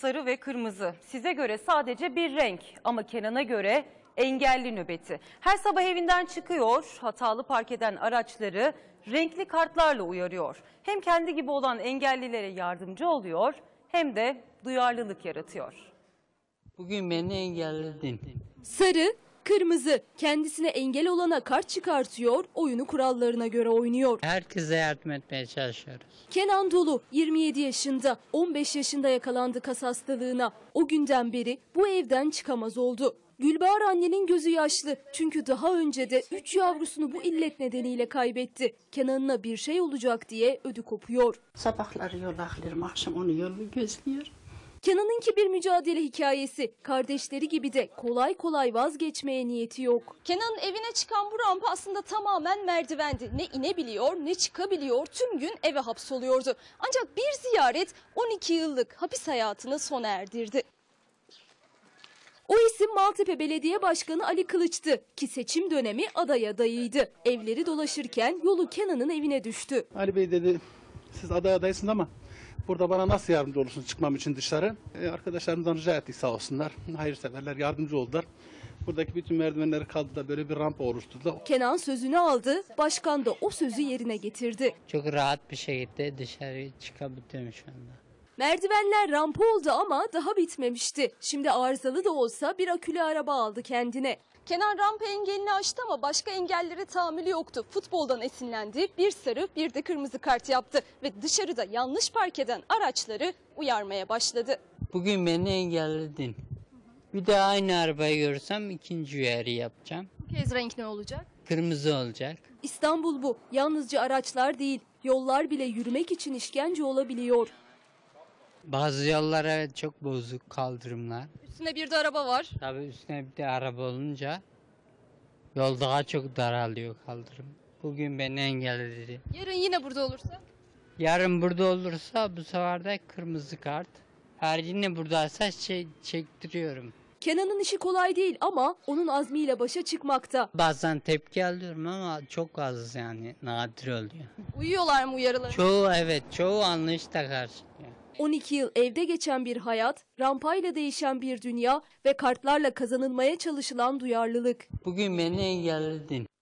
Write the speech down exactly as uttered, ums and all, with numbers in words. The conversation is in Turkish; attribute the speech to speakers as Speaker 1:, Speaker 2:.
Speaker 1: sarı ve kırmızı. Size göre sadece bir renk ama Kenan'a göre engelli nöbeti. Her sabah evinden çıkıyor, hatalı park eden araçları renkli kartlarla uyarıyor. Hem kendi gibi olan engellilere yardımcı oluyor hem de duyarlılık yaratıyor.
Speaker 2: Bugün beni engelledin.
Speaker 3: Sarı, kırmızı. Kendisine engel olana kart çıkartıyor, oyunu kurallarına göre oynuyor.
Speaker 2: Herkese yardım etmeye çalışıyoruz.
Speaker 3: Kenan Dolu yirmi yedi yaşında, on beş yaşında yakalandı kas hastalığına. O günden beri bu evden çıkamaz oldu. Gülbahar annenin gözü yaşlı çünkü daha önce de üç yavrusunu bu illet nedeniyle kaybetti. Kenan'ına bir şey olacak diye ödü kopuyor.
Speaker 4: Sabahları yol aklıyorum, akşam onu yolu gözlüyor.
Speaker 3: Kenan'ınki bir mücadele hikayesi. Kardeşleri gibi de kolay kolay vazgeçmeye niyeti yok. Kenan'ın evine çıkan bu rampa aslında tamamen merdivendi. Ne inebiliyor ne çıkabiliyor, tüm gün eve hapsoluyordu. Ancak bir ziyaret on iki yıllık hapis hayatını sona erdirdi. O isim Maltepe Belediye Başkanı Ali Kılıç'tı ki seçim dönemi aday adayıydı. Evleri dolaşırken yolu Kenan'ın evine düştü.
Speaker 5: Ali Bey dedi, siz aday adaysınız ama burada bana nasıl yardımcı olursunuz çıkmam için dışarı? Ee, arkadaşlarımızdan rica ettik sağ olsunlar. Hayırseverler yardımcı oldular. Buradaki bütün merdivenleri kaldı da böyle bir rampa oluşturdu.
Speaker 3: Kenan sözünü aldı, başkan da o sözü yerine getirdi.
Speaker 2: Çok rahat bir şekilde dışarı çıkabiliyorum şu anda.
Speaker 3: Merdivenler rampa oldu ama daha bitmemişti. Şimdi arızalı da olsa bir akülü araba aldı kendine. Kenan rampa engelini aştı ama başka engellere tahammülü yoktu. Futboldan esinlendi, bir sarı bir de kırmızı kart yaptı ve dışarıda yanlış park eden araçları uyarmaya başladı.
Speaker 2: Bugün beni engelledin. Bir de aynı arabayı görsem ikinci uyarı yapacağım.
Speaker 3: Bu kez renk ne olacak?
Speaker 2: Kırmızı olacak.
Speaker 3: İstanbul bu. Yalnızca araçlar değil, yollar bile yürümek için işkence olabiliyor.
Speaker 2: Bazı yollar evet çok bozuk, kaldırımlar.
Speaker 3: Üstünde bir de araba var.
Speaker 2: Tabii üstüne bir de araba olunca yol daha çok daralıyor, kaldırım. Bugün beni engelledi.
Speaker 3: Yarın yine burada olursa?
Speaker 2: Yarın burada olursa bu sefer de kırmızı kart. Her yine buradaysa şey çektiriyorum.
Speaker 3: Kenan'ın işi kolay değil ama onun azmiyle başa çıkmakta.
Speaker 2: Bazen tepki alıyorum ama çok az, yani nadir oluyor.
Speaker 3: Uyuyorlar mı uyarılara?
Speaker 2: Çoğu evet, çoğu anlayışla karşılıyor.
Speaker 3: on iki yıl evde geçen bir hayat, rampayla değişen bir dünya ve kartlarla kazanılmaya çalışılan duyarlılık.
Speaker 2: Bugün beni engelledin.